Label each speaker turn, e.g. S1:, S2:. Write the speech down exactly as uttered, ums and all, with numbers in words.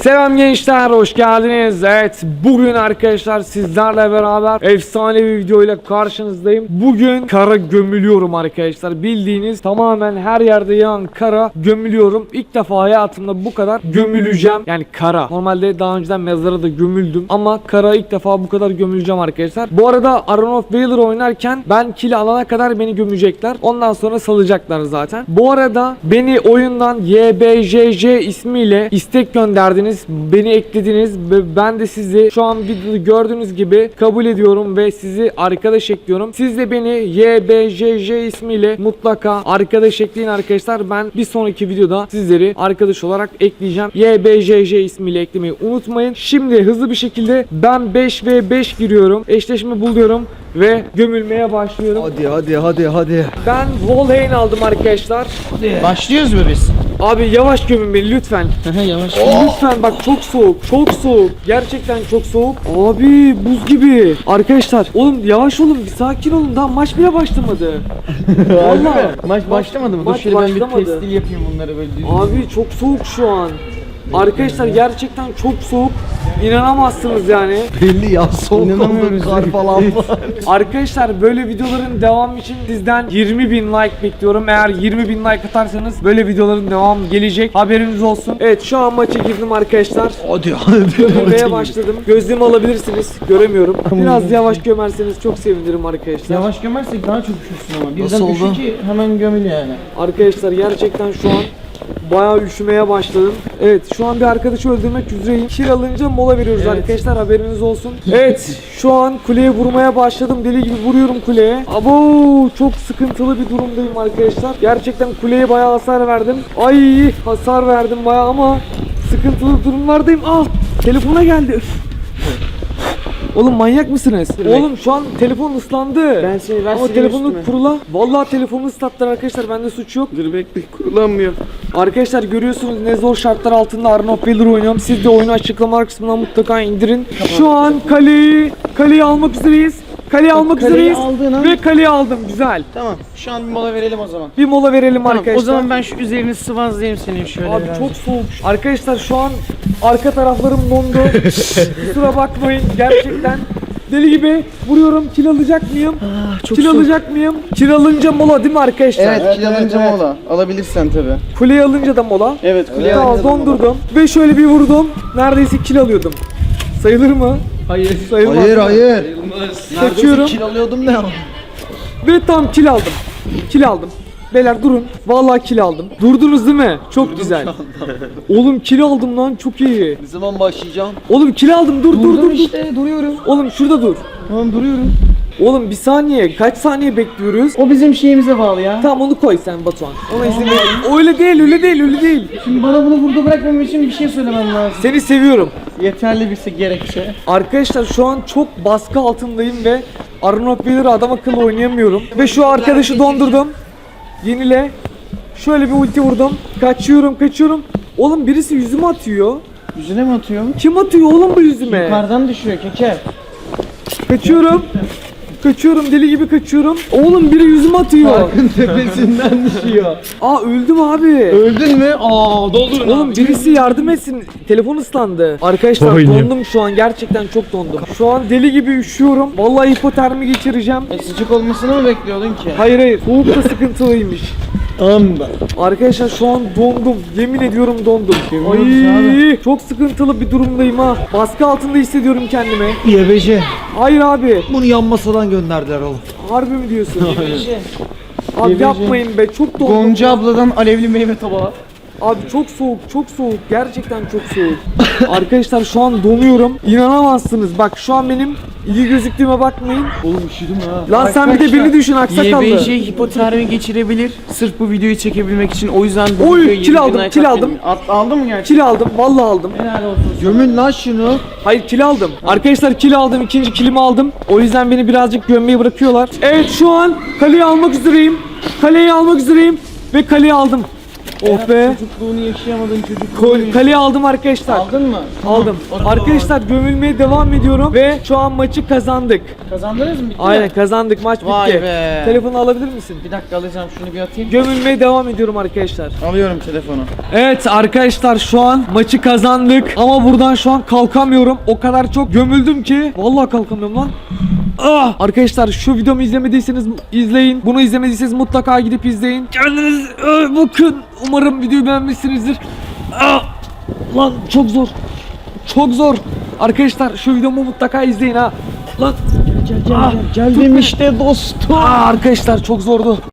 S1: Selam gençler, hoş geldiniz. Evet, bugün arkadaşlar sizlerle beraber efsane bir video ile karşınızdayım. Bugün kara gömülüyorum arkadaşlar. Bildiğiniz tamamen her yerde yağan kara gömülüyorum. İlk defa hayatımda bu kadar gömüleceğim. Yani kara. Normalde daha önceden mezara da gömüldüm ama kara ilk defa bu kadar gömüleceğim arkadaşlar. Bu arada Iron of Valor oynarken ben kill alana kadar beni gömecekler. Ondan sonra salacaklar zaten. Bu arada beni oyundan Y B J J ismiyle istek gönderdiniz. Beni eklediniz ve ben de sizi şu an videoda gördüğünüz gibi kabul ediyorum ve sizi arkadaş ekliyorum. Siz de beni Y B J J ismiyle mutlaka arkadaş ekleyin arkadaşlar. Ben bir sonraki videoda sizleri arkadaş olarak ekleyeceğim. Y B J J ismiyle eklemeyi unutmayın. Şimdi hızlı bir şekilde ben beş ve beş giriyorum. Eşleşme buluyorum ve gömülmeye başlıyorum.
S2: Hadi hadi hadi hadi.
S1: Ben Volheim aldım arkadaşlar.
S3: Başlıyoruz mu biz?
S1: Abi yavaş gömün beni lütfen.
S3: Yavaş.
S1: Lütfen bak, çok soğuk, çok soğuk. Gerçekten çok soğuk. Abi buz gibi. Arkadaşlar oğlum yavaş olun, bir sakin olun. Daha maç bile başlamadı. Vallahi.
S3: Maç başlamadı mı? Dur
S1: Maç
S3: şöyle ben bir
S1: başlamadı.
S3: testil yapayım bunları böyle düz.
S1: Abi çok soğuk şu an. Arkadaşlar gerçekten çok soğuk. İnanamazsınız yani.
S2: Belli ya, soğuk
S3: İnanamıyoruz.
S2: oldu, kar falan var.
S1: Arkadaşlar böyle videoların devamı için sizden yirmi bin like bekliyorum. Eğer yirmi bin like atarsanız böyle videoların devamı gelecek. Haberiniz olsun. Evet, şu an maça girdim arkadaşlar.
S2: Hadi hadi.
S1: Gömmeye başladım. Gözlüğümü alabilirsiniz. Göremiyorum. Biraz yavaş gömerseniz çok sevinirim arkadaşlar.
S3: Yavaş gömersek daha çok üşürsün ama. Birden
S2: Nasıl oldu?
S3: üşü ki hemen gömül yani.
S1: Arkadaşlar gerçekten şu an bayağı üşümeye başladım. Evet, şu an bir arkadaşı öldürmek üzereyim. Kill alınca mola veriyoruz
S3: Evet.
S1: arkadaşlar, haberiniz olsun. Evet, şu an kuleye vurmaya başladım. Deli gibi vuruyorum kuleye. Abo, çok sıkıntılı bir durumdayım arkadaşlar. Gerçekten kuleye bayağı hasar verdim. Ay, hasar verdim bayağı ama sıkıntılı durumlardayım. Ah, telefona geldi. Üf. Oğlum manyak mısınız? Oğlum şu an telefon ıslandı.
S3: Ben seni- ben
S1: Ama
S3: sileyim
S1: telefonu
S3: üstüme.
S1: kurula. Vallahi telefonu ıslattılar arkadaşlar. Bende suç yok.
S3: Dur bekle, kullanmıyor.
S1: Arkadaşlar görüyorsunuz ne zor şartlar altında Iron of Valor oynuyorum. Siz de oyunu açıklamalar kısmından mutlaka indirin. Şu an kaleyi kaleyi almak üzereyiz. Kaleyi almak
S3: kaleyi
S1: üzereyiz.
S3: aldın ha.
S1: Ve kaleyi aldım. Güzel.
S3: Tamam, şu an bir mola verelim o zaman.
S1: Bir mola verelim
S3: Tamam,
S1: arkadaşlar.
S3: o zaman ben şu üzerini sıvazlayayım senin şöyle
S1: Abi
S3: biraz.
S1: çok soğuk. Arkadaşlar şu an arka taraflarım dondu. Kusura bakmayın gerçekten. Deli gibi vuruyorum. Kill alacak mıyım?
S3: çok
S1: Kill
S3: soğuk.
S1: alacak mıyım? Kill alınca mola değil mi arkadaşlar?
S3: Evet, kill alınca
S2: evet.
S3: mola. Alabilirsen tabi.
S1: Kuleyi alınca da mola.
S3: Evet, kuleye
S1: Tamam,
S3: alınca da mola.
S1: dondurdum. Ve şöyle bir vurdum. Neredeyse kill alıyordum. Sayılır mı?
S3: Hayır.
S1: Sayılmaz.
S2: Hayır hayır.
S1: Kaçıyorum.
S2: Kil alıyordum ne?
S1: Ve tam kill aldım. Kill aldım. Beyler durun. Vallahi kill aldım. Durdunuz değil mi? Çok güzel. Oğlum kill aldım lan, çok iyi.
S2: Ne zaman başlayacağım?
S1: Oğlum kill aldım. Dur dur dur.
S3: Durdum
S1: dur.
S3: işte, duruyorum.
S1: Oğlum şurada dur.
S3: Tamam, duruyorum.
S1: Oğlum bir saniye. Kaç saniye bekliyoruz?
S3: O bizim şeyimize bağlı ya.
S1: Tamam, onu koy sen Batuhan. Ona izin ver. Öyle değil, öyle değil, öyle değil.
S3: Şimdi bana bunu burada bırakmam için bir şey söylemem lazım.
S1: Seni seviyorum.
S3: Yeterli bir gerekçe.
S1: Arkadaşlar şu an çok baskı altındayım ve Iron of Valor'ı adam akıllı oynayamıyorum. Ve şu arkadaşı dondurdum. Yenile. Şöyle bir ulti vurdum. Kaçıyorum, kaçıyorum. Oğlum birisi yüzüme atıyor.
S3: Yüzüne mi atıyor?
S1: Kim atıyor oğlum bu yüzüme?
S3: Yukarıdan düşüyor keke.
S1: Kaçıyorum. Kaçıyorum, deli gibi kaçıyorum. Oğlum biri yüzüme atıyor.
S2: Parkın tepesinden düşüyor.
S1: Aa, öldüm abi.
S2: Öldün mü? Aa doldurun.
S1: Oğlum birisi yardım etsin. Telefon ıslandı. Arkadaşlar dondum şu an. Gerçekten çok dondum. Şu an deli gibi üşüyorum. Vallahi hipotermi geçireceğim.
S3: E, sıcak olmasını mı bekliyordun ki?
S1: Hayır hayır. Soğuk da sıkıntılıymış.
S3: Tamam da.
S1: Arkadaşlar şu an dondum. Yemin ediyorum dondum.
S3: Görüyoruz
S1: Ay, çok sıkıntılı bir durumdayım ha. Baskı altında hissediyorum kendimi.
S2: Y B J.
S1: Hayır abi.
S2: Bunu yan masadan gönderdiler oğlum.
S1: Harbi mi diyorsun?
S3: Şey,
S1: Abi
S3: Yebeci.
S1: yapmayın be. Çok dondum.
S3: Gonca abladan alevli meyve tabağı.
S1: Abi çok soğuk, çok soğuk. Gerçekten çok soğuk. Arkadaşlar şu an donuyorum. İnanamazsınız. Bak şu an benim iyi gözüktüğüme bakmayın.
S2: Oğlum üşüdüm ha.
S1: Lan sen bir de beni düşün,
S3: Y B
S1: aksakallı.
S3: J hipotermi geçirebilir. Sırf bu videoyu çekebilmek için. O yüzden bu
S1: Oy,
S3: videoyu
S1: kill
S3: yirmi
S1: aldım,
S3: bin like
S1: kill
S3: atmayın.
S1: aldım.
S3: At, aldın mı gerçekten?
S1: Kill aldım, vallahi aldım.
S3: Helal olsun.
S2: Gömün lan şunu.
S1: Hayır, kill aldım. Arkadaşlar kill aldım, ikinci killimi aldım. O yüzden beni birazcık gömmeyi bırakıyorlar. Evet, şu an kaleyi almak üzereyim. Kaleyi almak üzereyim ve kaleyi aldım. Oh be.
S3: Çocukluğunu yaşayamadığın
S1: Kol-
S3: çocukluğunu.
S1: Kaleyi aldım arkadaşlar.
S3: Aldın mı?
S1: Aldım.
S3: Tamam.
S1: Arkadaşlar gömülmeye devam ediyorum ve şu an maçı kazandık.
S3: Kazandınız mı? Bitti mi?
S1: Aynen kazandık, maç
S3: Vay
S1: bitti.
S3: be.
S1: Telefonu alabilir misin?
S3: Bir dakika alacağım, şunu bir atayım.
S1: Gömülmeye devam ediyorum arkadaşlar.
S3: Alıyorum telefonu.
S1: Evet arkadaşlar şu an maçı kazandık ama buradan şu an kalkamıyorum. O kadar çok gömüldüm ki vallahi kalkamıyorum lan. Ah! Arkadaşlar şu videomu izlemediyseniz izleyin. Bunu izlemediyseniz mutlaka gidip izleyin. Kendiniz e, bakın. Umarım videoyu beğenmişsinizdir. Ah! Lan çok zor. Çok zor. Arkadaşlar şu videomu mutlaka izleyin ha. Lan
S3: Gel gel
S1: Ah,
S3: gel.
S1: tut
S3: Geldim
S1: beni.
S3: işte dostum.
S1: Aa, arkadaşlar çok zordu.